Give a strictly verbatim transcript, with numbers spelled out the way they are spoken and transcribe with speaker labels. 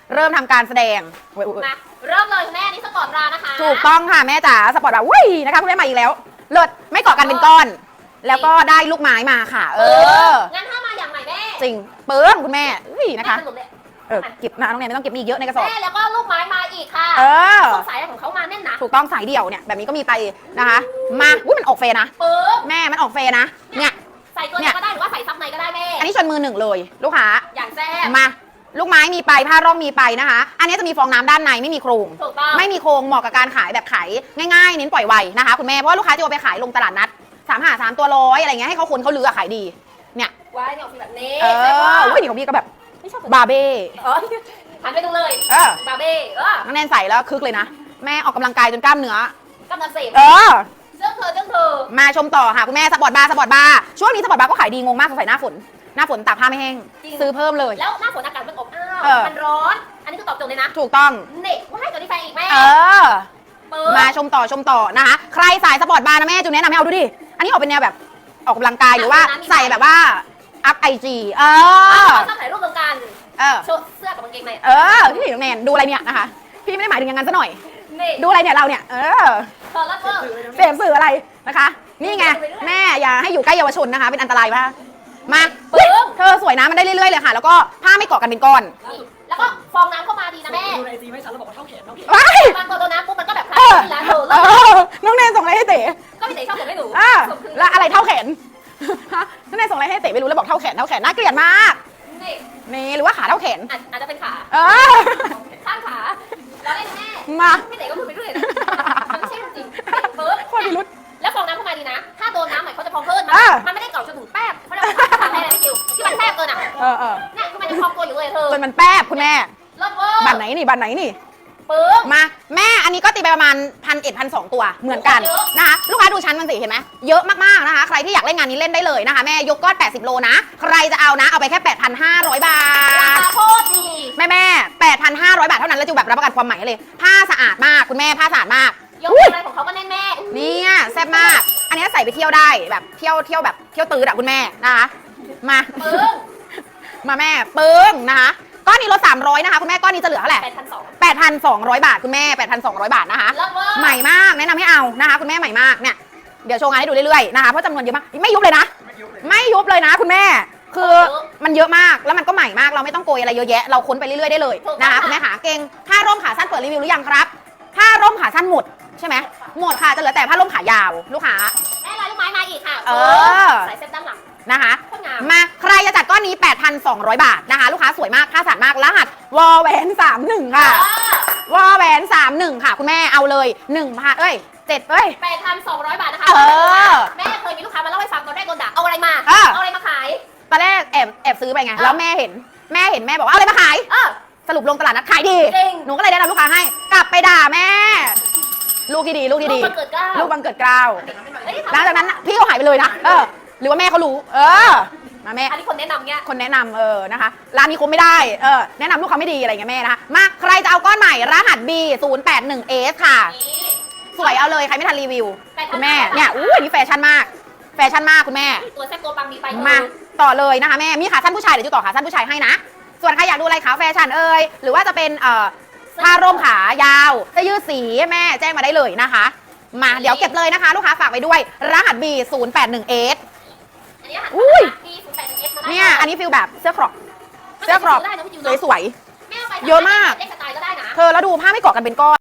Speaker 1: เริ่มทำการแสดง
Speaker 2: มาเริ่มเลยแม่นี่สปอร์ตรานะคะ
Speaker 1: ถูกต้องค่ะแม่จ๋าสปอร์ตแบบวุ้ยนะคะคุณแม่มาอีกแล้วเลิศไม่เกาะกันเป็นก้อน แล้วก็ได้ลูกไม้มาค่ะ เออ
Speaker 2: งั้นถ้ามาอย่างไหนแม่
Speaker 1: จริงเปิ้งคุณแม่อุ้ยนะคะเออเก็บนะน้องแนนไม่ต้องเก็บมีเยอะในกระสอบ
Speaker 2: แม่แล้วก็ลูกไม้มาอีกค่ะ
Speaker 1: เออ
Speaker 2: สายของเขามาแน่นนะ
Speaker 1: ถูกต้องสายเดี่ยวเนี่ยแบบนี้ก็มีไปนะคะมาอุ้ยมันออกเฟนะ
Speaker 2: เปิ้ง
Speaker 1: แม่มันออกเฟนะเนี่ย
Speaker 2: ใส่ตัวนี้ก็ได้หรือว่าใส่ซับในก็ได้แม่
Speaker 1: อันนี้ชนมือหนึ่งเลยลูกค้า
Speaker 2: อย่างแซ่บ
Speaker 1: มาลูกไม้มีไปผ้าร่องมีไปนะคะ อันนี้จะมีฟองน้ำด้านในไม่มีโครงไม่มีโครงเหมาะกับการขายแบบขายง่ายๆเน้นปล่อยไวนะคะคุณแม่เพราะว่าลูกค้าจะเอาไปขายลงตลาดนัดสามหาสามตัวร้อยอะไรเงี้ยให้เขาคนเขาลือขายดีเนี่ย
Speaker 2: ว้ายเนี่ยของพี่แบบนี้
Speaker 1: เอออุ้ยนี่ของพี่ก็แบบบาเบ้
Speaker 2: หันไปดูเลย
Speaker 1: เออบาเบ้
Speaker 2: เออ
Speaker 1: น้องแนนใส่แล้วคึกเลยนะแม่ออกกำลังกายจนกล้ามเนื้
Speaker 2: อกำลังเสพ
Speaker 1: เออ
Speaker 2: เรื่องเธอเรื่องเธอ
Speaker 1: มาชมต่อค่ะคุณแม่สปอร์ตบาร์สปอร์ตบาร์ช่วงนี้สปอร์ตบาร์ก็ขายดีงงมากสงสัยหน้าฝนหน้าฝนตากผ้าไม่แห้งซื้อเพิ่มเลย
Speaker 2: แล้วหน้าฝนอากาศมันอบอ้าวมันร้อนอันนี้คือตอบโจทย์เลยนะ
Speaker 1: ถูกต้อง
Speaker 2: เน็ตว่าให้ตัวนี้แฟนอีกแม่
Speaker 1: เออมาชมต่อชมต่อนะคะใครสายสปอร์ตบาร์นะแม่จูนแนะนำให้เอาดูดิอันนี้ออกเป็นแนวแบบออกกำลังกายหรือว่าใส่แบบว่าอัพไอจีเออ
Speaker 2: ชอบถ่ายรูปตรงกัน
Speaker 1: เออ
Speaker 2: เสื้อกับกางเกงใน
Speaker 1: เออพี่น้องแนนดูอะไรเนี่ยนะคะพี่ไม่ได้หมายถึงอย่างนั้นซะหน่อยดูอะไรเนี่ยเราเนี่ยเออเสพสื่ออะไรนะคะนี่ไงแม่อย่าให้อยู่ใกล้เยาวชนนะคะเป็นอันตรายมากมาเธอสวยนะมันได้เรื่อยๆเลยค่ะแล้วก็ผ้าไม่เกาะกันเป็นก้อน
Speaker 2: แล้วก็ฟองน้ำเข้ามาดีนะแม่
Speaker 3: ดูในซีไม่ชัดเราบอกว่าเท่าแขนเท่าแขน
Speaker 2: บางตัวน้ำปุ๊บมันก็แบบคล้ายๆแล้วเธอ
Speaker 1: น้องแนนส่งอะไรให้เต๋
Speaker 2: ก็พี่เต๋ชอบส่งให้หนู
Speaker 1: อ่าแล้วอะไรเท่าแขนน้องแนนส่งอะไรให้เต๋ไม่รู้แล้วบอกเท่าแขนเท่าแขนน่าเกลียดมากนี่หรือว่าขาเท่าแขน
Speaker 2: อาจจะเป็นขา
Speaker 1: เออ
Speaker 2: ข้างขาแล้วได้แม่
Speaker 1: มา
Speaker 2: พี่เต๋ก็พูดไปด้วยนะมันไม่ใช่จริงเบิร์ด
Speaker 1: โคตรพิรุษ
Speaker 2: แล้วฟองน้ำเข้ามาดีนะถ้าโดนน้ำหน่อยเขาจะพองเพิ่มมันไม่ได้เกาะจนถึงแป๊บเขาเรียกว่าทำอะไรพี่จิวที่มันแทบเกินอ่ะ
Speaker 1: เออเออ
Speaker 2: เนี่ยคือมันจะพองตัวอยู่เลยเธอ
Speaker 1: จนมันแป๊บคุณแม่
Speaker 2: รถเวอร์
Speaker 1: บัตรไหนนี่บัตรไหนนี่
Speaker 2: ปึ้ง
Speaker 1: มาแม่อันนี้ก็ตีไปประมาณพันเอ็ดพันสองตัวเหมือนกันนะคะลูกค้าดูชั้นมันสิเห็นไหมเยอะมากๆนะคะใครที่อยากเล่นงานนี้เล่นได้เลยนะคะแม่ยกก้อนแปดสิบโลนะใครจะเอานะเอาไปแค่ แปดพันห้าร้อย บาท
Speaker 2: ราคาโคตรดี
Speaker 1: แม่แม่แปดพันห้าร้อย บาทเท่านั้นแล้วจะแบบรับประกันความใหม่เลยผ้าสะอาดมากคุณแม่ผ้าสะอาดมาก
Speaker 2: ยกอะไรของเขาก็แน่นแม่
Speaker 1: เนี่ยแซ่บมากอันนี้ใส่ไปเที่ยวได้แบบเที่ยวเที่ยวแบบเที่ยวตื้ออะคุณแม่นะคะมา
Speaker 2: ปึ้ง
Speaker 1: มาแม่ปึ้งนะคะก้อนนี้ลดสามร้อยนะคะคุณแม่ก้อนนี้จะเหลือเท่าไหร่แปดพันสองร้อย บาทคุณแม่แปดพันสองร้อยบาทนะคะใหม่มากแนะนำให้เอานะคะคุณแม่ใหม่มากเนี่ยเดี๋ยวโชว์งานให้ดูเรื่อยๆนะคะเพราะจำนวนเยอะมากไม่ยุบเลยนะไม่ยุบเลยนะคุณแม่คือมันเยอะมากแล้วมันก็ใหม่มากเราไม่ต้องโกยอะไรเยอะแยะเราค้นไปเรื่อยๆได้เลยนะคะคุณแม่ขาเก่งผ้าร่มขาสั้นเปิดรีวิวหรือยังครับผ้าร่มขาสั้นหมดใช่ไหมหมดค่ะจะเหลือแต่ผ้าร่มขายาวลูกค้า
Speaker 2: แม่ลายลูกไม้มาอีกค่ะ
Speaker 1: เออ
Speaker 2: ใส่เส้นด้านหลัง
Speaker 1: นะคะมาใครจะจัดก้อนนี้ แปดพันสองร้อย บาทนะคะลูกค้าสวยมากผ้าสะอาดมากรหัสวอแหวนสามสิบเอ็ดค่ะวอแหวนสามสิบเอ็ดค่ะคุณแม่เอาเลยหนึ่งพันเอ้ยเจ็ดเอ้ย
Speaker 2: แปดพันสองร้อย บาทนะคะแม่เคยมีลูกค้ามาเล่าให้ฟังตอนแรกโดนด่าเอาอะไรมาเอาอะไรมาขาย
Speaker 1: ตอนแรกแอบแอบซื้อไปไงแล้วแม่เห็นแม่เห็นแม่บอกว่าเอาอะไรมาขายสรุปลงตลาดนัดขายดีหนูก็เลยแนะนำลูกค้าให้กลับไปด่าแม่ลูกที่ดีลูกที่ดีลูกบังเกิดเกล้าหลังจากนั้นพี่เขาหายไปเลยนะเออหรือว่าแม่เขารู้เออมาแม่
Speaker 2: อันนี้คนแนะนำเงี้ย
Speaker 1: คนแนะนำเออนะคะร้านนี้คงไม่ได้เออแนะนำลูกค้าไม่ดีอะไรเงี้ยแม่นะคะมาใครจะเอาก้อนใหม่รหัส บี ศูนย์แปดหนึ่ง เอส ค่ะสวยเอาเลยใครไม่ทันรีวิวคุณแม่เนี่ยอู้อันนี้แฟชั่นมากแฟชั่นมากคุณแม่
Speaker 2: ตัวแซ่บตัวปังมีไป
Speaker 1: มาต่อเลยนะคะแม่มีขาสั้นผู้ชายเดี๋ยวจะต่อขาสั้นผู้ชายให้นะส่วนใครอยากดูอะไรขาแฟชั่นเอ่ยหรือว่าจะเป็นเอ่อผ้าร่มขายาวเสื้อยืดสีแม่แจ้งมาได้เลยนะคะมาเดี๋ยวเก็บเลยนะคะลูกค้าฝากไว้ด้วยรหัส บี ศูนย์แปดหนึ่ง เอส อุ้ยเนี่ยอันนี้ฟิลแบบเสื้อครอปเสื้อครอปสวยๆเยอะมากเธอแล้วดูผ้าไม่เกาะกันเป็นก้อน